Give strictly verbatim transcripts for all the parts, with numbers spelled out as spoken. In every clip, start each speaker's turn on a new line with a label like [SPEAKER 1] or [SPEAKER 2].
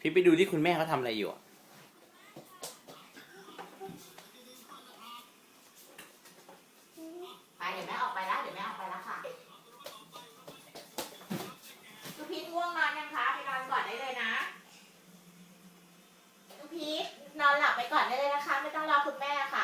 [SPEAKER 1] พี่ไปดูที่คุณแม่เขาทำอะไรอยู่อะ
[SPEAKER 2] ไปเดี๋ยวแม่ออกไปแล้วเดี๋ยวแม่ออกไปแล้วค่ะลูกพีทง่วงนอนยังคะไปนอนก่อนได้เลยนะลูกพีทนอนหลับไปก่อนได้เลยนะคะไม่ต้องรอคุณแม่ค่ะ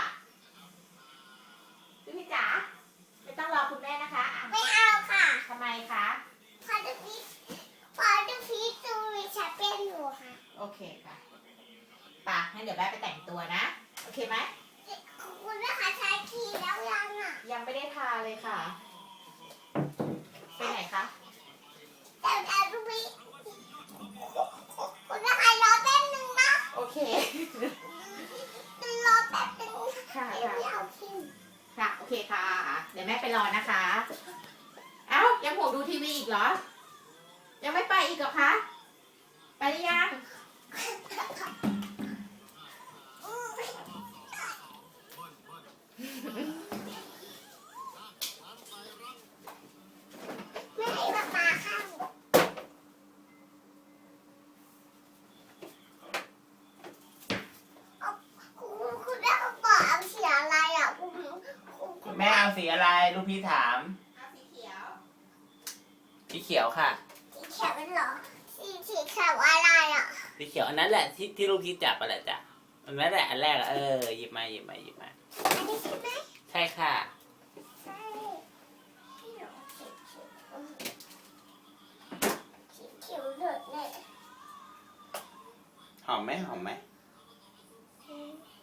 [SPEAKER 2] ลูกพีทจ๋าไม่ต้องรอคุณแม่นะคะอ่ะ
[SPEAKER 3] ไม่เอาค่ะ
[SPEAKER 2] ทำไมคะ
[SPEAKER 3] พอจะพีพอจะพีตูวิชาเป็นอยู่ค่ะ
[SPEAKER 2] โอเคค่ะป่ะงั้นเดี๋ยวแม่ไปแต่งตัวนะโอเคไหม
[SPEAKER 3] ขอบคุณนะคะใช้ทีแล้วยังอ่ะ
[SPEAKER 2] ยังไม่ได้ทาเลยค่ะไปไหนคะ
[SPEAKER 3] แต่แต่ลูกพีคุณนะคะรอแป๊บนึงนะ
[SPEAKER 2] โอเค
[SPEAKER 3] รอแป๊บนึง
[SPEAKER 2] ค่ะ
[SPEAKER 3] ไม่
[SPEAKER 2] ค่ะ
[SPEAKER 3] เอาทิ้ง
[SPEAKER 2] ค่ะโอเคค่ะ เดี๋ยวแม่ไปรอนะคะ เอ้ายังห่วงดูทีวีอีกเหรอ ยังไม่ไปอีกเหรอคะ ไปหรือยัง
[SPEAKER 3] ไม่ให้ป๊าป๊าเข้าเอาคุณคุณแม่ก็บอกเอาเสียอะไรอ่ะคุณคุณคุณ
[SPEAKER 1] แม่เอาสีอะไรลูกพี่ถาม
[SPEAKER 2] เอาสีเขียว
[SPEAKER 1] สีเขียวค่ะ
[SPEAKER 3] สีเขียวเป็นเหรอสีสีเขียวอะไรอ่ะ
[SPEAKER 1] สีเขียวอันนั้นแหละที่ที่ลูกพี่จับไปแหละจ้ะอันนั้นแหละอันแรกอะเออหยิบมาหยิบมาหยิบมา
[SPEAKER 3] อันนี้ใช่ไหม
[SPEAKER 1] ใช่ค่ะ
[SPEAKER 3] ใช่ที่หนูสีเขียวสีเขียวเลยเนี่ย
[SPEAKER 1] หอมไหมหอมไหม
[SPEAKER 3] อืม